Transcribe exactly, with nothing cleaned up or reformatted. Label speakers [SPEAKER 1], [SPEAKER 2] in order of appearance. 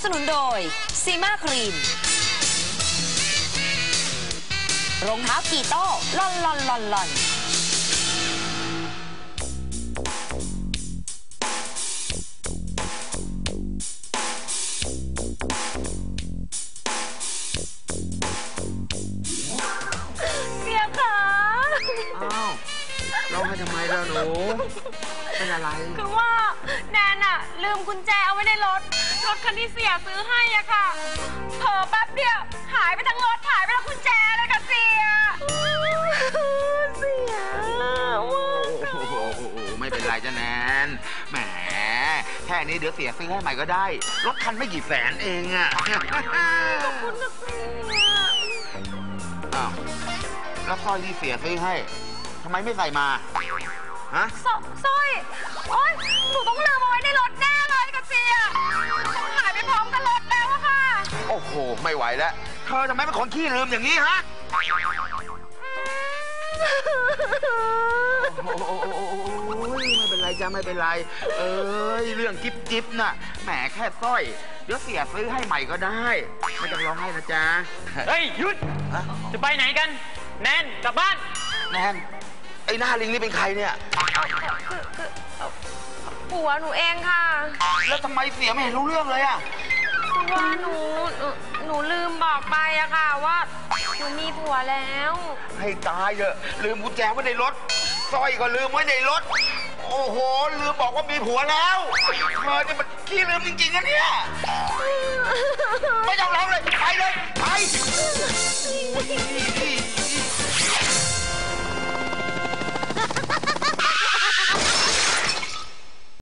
[SPEAKER 1] สนุนโดยซีมาครีมรองเท้ากีโต้ลอนลอนลอนลอน
[SPEAKER 2] เสียค่ะ
[SPEAKER 3] อ้าวร้องให้ทำไมล่ะหนูเป็นอะไร
[SPEAKER 2] คือว่าแนนอะลืมกุญแจเอาไว้ในรถรถคันที่เสียซื้อให้อะค่ะเผลอแป๊บเดียวหายไปทั้งรถหายไปทั้งกุญแจเลยค่ะเสียเสีย
[SPEAKER 3] ไม่เป็นไรจ้ะแนนแหมแค่นี้เดี๋ยวเสียซื้อให้ใหม่ก็ได้รถคันไม่กี่แสนเองอะ
[SPEAKER 2] ขอบคุณนะเสีย
[SPEAKER 3] อ้าวแล้วสร้อยที่เสียซื้อให้ทำไมไม่ใส่มาฮะ
[SPEAKER 2] สร้อยโอ๊ยหนูต้องลืมเอาไว้ในรถแน่เลยค่ะเสียต้องหายไปพร้อมกับรถแล้วอะค่ะ
[SPEAKER 3] โอ้โหไม่ไหวแล้วเธอทำไมเป็นคนขี้ลืมอย่างนี้ฮะโอ้ยไม่เป็นไรจ้าไม่เป็นไรเอ้ยเรื่องจิ๊บจิ๊บน่ะแหมแค่สร้อยเดี๋ยวเสียซื้อให้ใหม่ก็ได้ไม่ต้องร้องไห้นะจ๊ะ
[SPEAKER 4] เฮ้ยหยุดจะไปไหนกันแนนกลับบ้าน
[SPEAKER 3] แนนไอ้หน้าลิงนี่เป็นใครเนี่ย
[SPEAKER 2] คือคือผัวหนูเองค่ะ
[SPEAKER 3] แล้วทำไมเสียไม่เห็นรู้เรื่องเลยอะ
[SPEAKER 2] ว่าหนูหนูลืมบอกไปอะค่ะว่าหนูมีผัวแล้ว
[SPEAKER 3] ให้ตายเถอะลืมกุญแจไว้ในรถสร้อยก็ลืมไว้ในรถโอ้โหลืมบอกว่ามีผัวแล้วเธอเนี่ยมันขี้ลืมจริงๆนะเนี่ย